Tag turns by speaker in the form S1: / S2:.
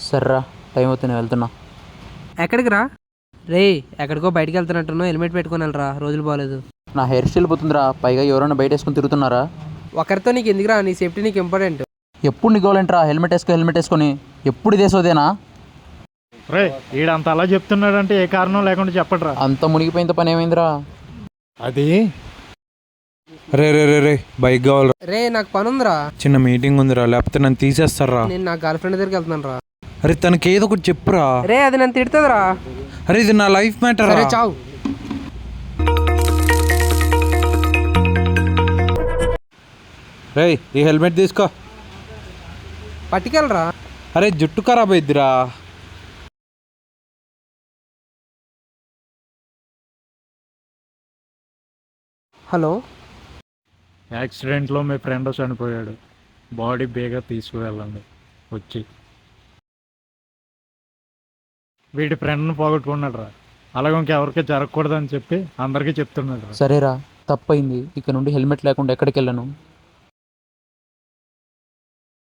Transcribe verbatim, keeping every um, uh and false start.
S1: సర్రా, time అవుతుంది, నేను వెళ్తున్నా.
S2: ఎక్కడికి రా? రే, ఎక్కడికో బయటికి వెళ్తున్నట్టున్నావు, హెల్మెట్ పెట్టుకొని వెళ్ళరా, రోజులు బాగాలేదు.
S1: నా హెయిర్ స్టైల్ పోతుందిరా, పైగా ఎవరైనా బయట వేసుకొని తిరుగుతున్నారా?
S2: ఒకరితో నీకు ఎందుకురా, నీ సేఫ్టీ నీకు ఇంపార్టెంట్.
S1: ఎప్పుడు నీకోవాలంటరా హెల్మెట్ వేసుకో హెల్మెట్ వేసుకొని, ఎప్పుడు ఇదేసోదేనా?
S3: రే, ఈడంత అలా చెప్తున్నాడంటే ఏ కారణం లేకుండా చెప్పడరా.
S1: అంత మునిగిపోయిన పని ఏమైందిరా?
S3: అది
S4: రే రే రే రే బైక్ కావాలరా.
S2: రే, నాకు పని ఉందిరా.
S4: చిన్న మీటింగ్ ఉందిరా, లేకపోతే నన్ను తీసేస్తారా.
S2: నేను నా గర్ల్ ఫ్రెండ్ దగ్గరికి వెళ్తున్నాను రా.
S4: అరే తనకి ఏదో ఒకటి చెప్పురా.
S2: రే, అది నన్ను తిడుతుందిరా.
S4: అరే ఇది నా లైఫ్ మ్యాటర్.
S2: సరే చావు.
S4: రే ఈ హెల్మెట్ తీసుకో.
S2: పట్టుకెళ్ళరా.
S4: అరే జుట్టు ఖరాబ్ అయిద్దిరా.
S2: హలో,
S3: యాక్సిడెంట్లో మీ ఫ్రెండ్ చనిపోయాడు, బాడీ బేగా తీసుకువెళ్ళండి వచ్చి. వీడి ఫ్రెండ్ని పోగొట్టుకున్నాడు రా, అలాగే ఇంకెవరికి జరగకూడదని చెప్పి అందరికీ చెప్తున్నాడు రా.
S1: సరేరా, తప్పైంది, ఇక నుండి హెల్మెట్ లేకుండా ఎక్కడికి వెళ్ళను.